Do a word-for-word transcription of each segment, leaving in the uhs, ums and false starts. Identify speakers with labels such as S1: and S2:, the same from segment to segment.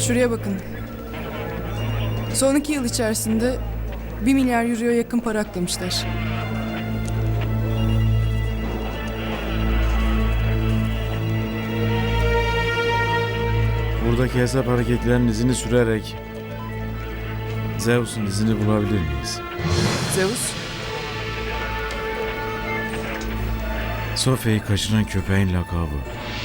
S1: Şuraya bakın. Son iki yıl içerisinde bir milyar euroya yakın para aklamışlar.
S2: Buradaki hesap hareketlerinin izini sürerek Zeus'un izini bulabilir miyiz?
S1: Zeus,
S2: Sofya'yı kaçıran köpeğin lakabı.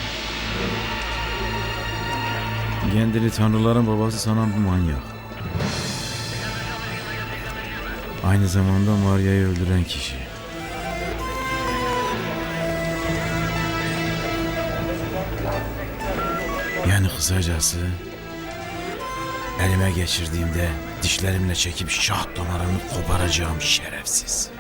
S2: Kendini tanrıların babası sanan bu manyak. Aynı zamanda Maria'yı öldüren kişi. Yani kısacası elime geçirdiğimde dişlerimle çekip şah damarını koparacağım şerefsiz.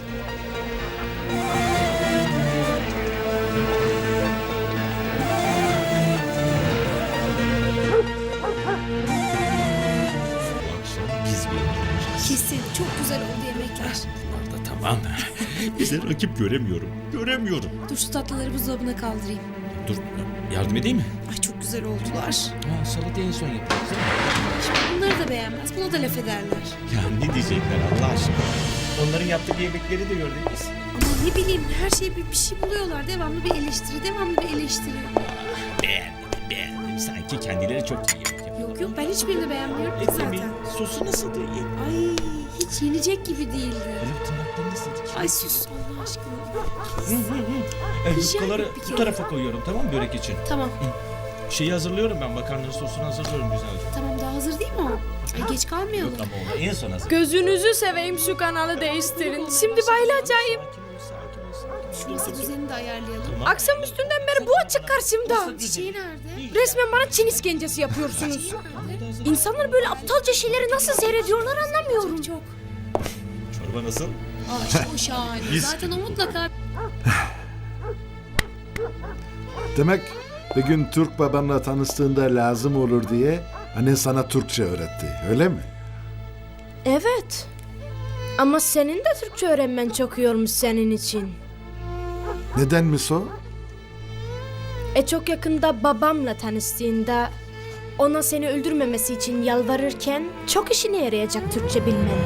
S3: Biz bir yapacağız.
S4: Kesin çok güzel oldu yemekler.
S3: Orada tamam. Bize rakip göremiyorum. Göremiyorum.
S4: Dur şu tatlıları buzdolabına kaldırayım.
S3: Dur yardım edeyim mi?
S4: Ay çok güzel oldular.
S3: Ha, salatayı en son yapacağız değil mi?
S4: Şimdi bunları da beğenmez. Buna da laf ederler.
S3: Ya ne diyecekler Allah aşkına? Onların yaptığı yemekleri de gördük biz.
S4: Ama ne bileyim her şeye bir, bir şey buluyorlar. Devamlı bir eleştiri, devamlı bir eleştiri.
S3: Beğendim, beğendim. Sanki kendileri çok iyi yapıyor.
S4: Yok yok ben hiçbirini beğenmiyorum ki
S3: Etli mi?
S4: zaten.
S3: Sosu nasıldı? İyi.
S4: Ay hiç yenecek gibi değildi.
S3: Benim tırnakları nasıldı?
S4: Ay sus Allah aşkına.
S3: E,
S4: Rica
S3: yufkaları
S4: ederim, bir
S3: bu
S4: kere.
S3: tarafa koyuyorum tamam mı börek için?
S4: Tamam
S3: Şeyi hazırlıyorum ben makarna sosunu hazırlıyorum güzelce.
S4: tamam daha hazır değil mi o? Ay geç kalmayalım.
S3: Yok ama onu en son hazır.
S5: Gözünüzü seveyim şu kanalı değiştirin. Şimdi bayılacağım.
S4: Şu masa düzenini de ayarlayalım.
S5: Akşam üstünden beri bu açık karşımda.
S4: Çiçeği nerede?
S5: Resmen bana Çin iskencesi yapıyorsunuz. İnsanlar böyle aptalca şeyleri nasıl seyrediyorlar anlamıyorum.
S4: Çok.
S3: Çorba nasıl?
S4: Aa işte o şahane. Zaten o mutlaka
S6: Demek bir gün Türk babanla tanıştığında lazım olur diye annen sana Türkçe öğretti, öyle mi?
S5: Evet. Ama senin de Türkçe öğrenmen çok yormuş senin için.
S6: Nedenmiş o?
S5: E çok yakında babamla tanıştığında ona seni öldürmemesi için yalvarırken çok işine yarayacak Türkçe bilmen.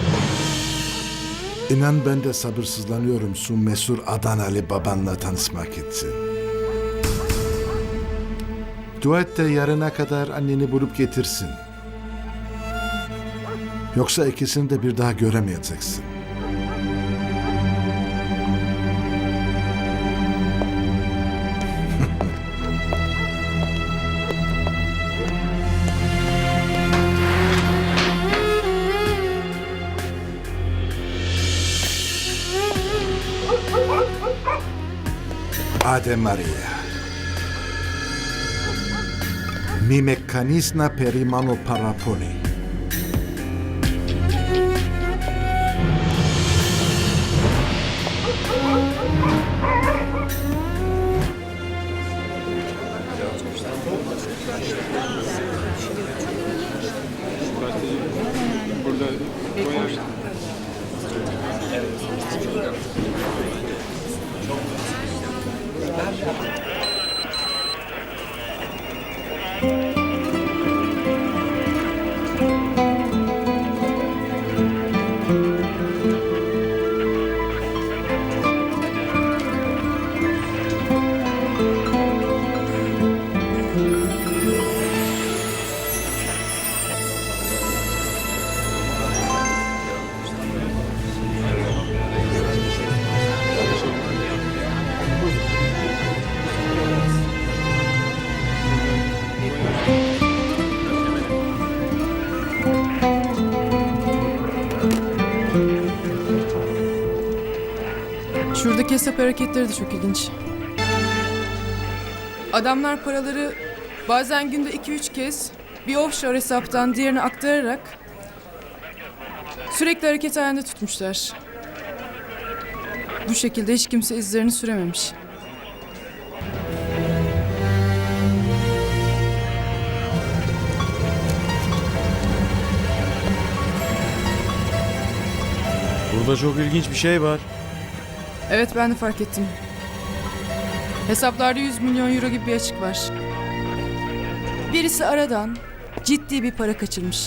S6: İnan ben de sabırsızlanıyorum şu mesur Adanalı babanla tanışmak için. Dua et de yarına kadar anneni bulup getirsin. Yoksa ikisini de bir daha göremeyeceksin. Ave Maria. Mi meccanisna per i mano paraponi.
S1: şuradaki hesap hareketleri de çok ilginç. Adamlar paraları bazen günde iki üç kez bir offshore hesaptan diğerine aktararak sürekli hareket halinde tutmuşlar. Bu şekilde hiç kimse izlerini sürememiş.
S2: Burada çok ilginç bir şey var.
S1: Evet ben de fark ettim. Hesaplarda yüz milyon euro gibi bir açık var. Birisi aradan ciddi bir para kaçırmış.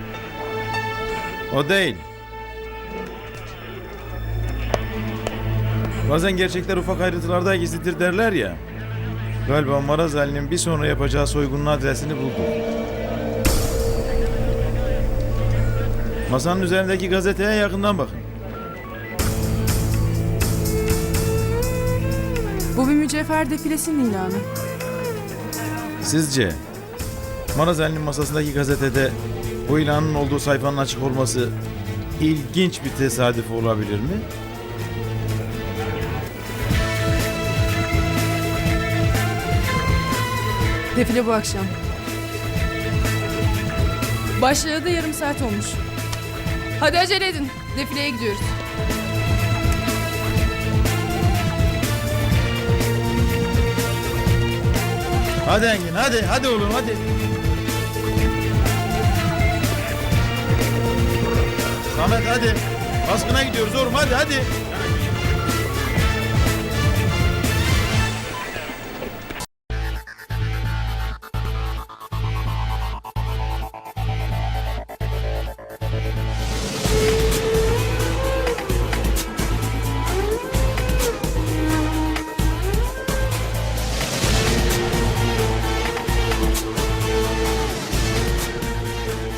S7: O değil. Bazen gerçekler ufak ayrıntılarda gizlidir derler ya. Galiba Maraz Ali'nin bir sonra yapacağı soygunun adresini buldu. Masanın üzerindeki gazeteye yakından bakın.
S1: Bu bir mücevher defilesinin ilanı.
S7: Sizce Maraz Ali'nin masasındaki gazetede bu ilanın olduğu sayfanın açık olması ilginç bir tesadüf olabilir mi?
S1: Defile bu akşam. Başlayalı da yarım saat olmuş. Hadi acele edin. Defileye gidiyoruz.
S7: Hadi Engin, hadi, hadi oğlum, hadi. Samet hadi. Baskına gidiyoruz oğlum, hadi, hadi.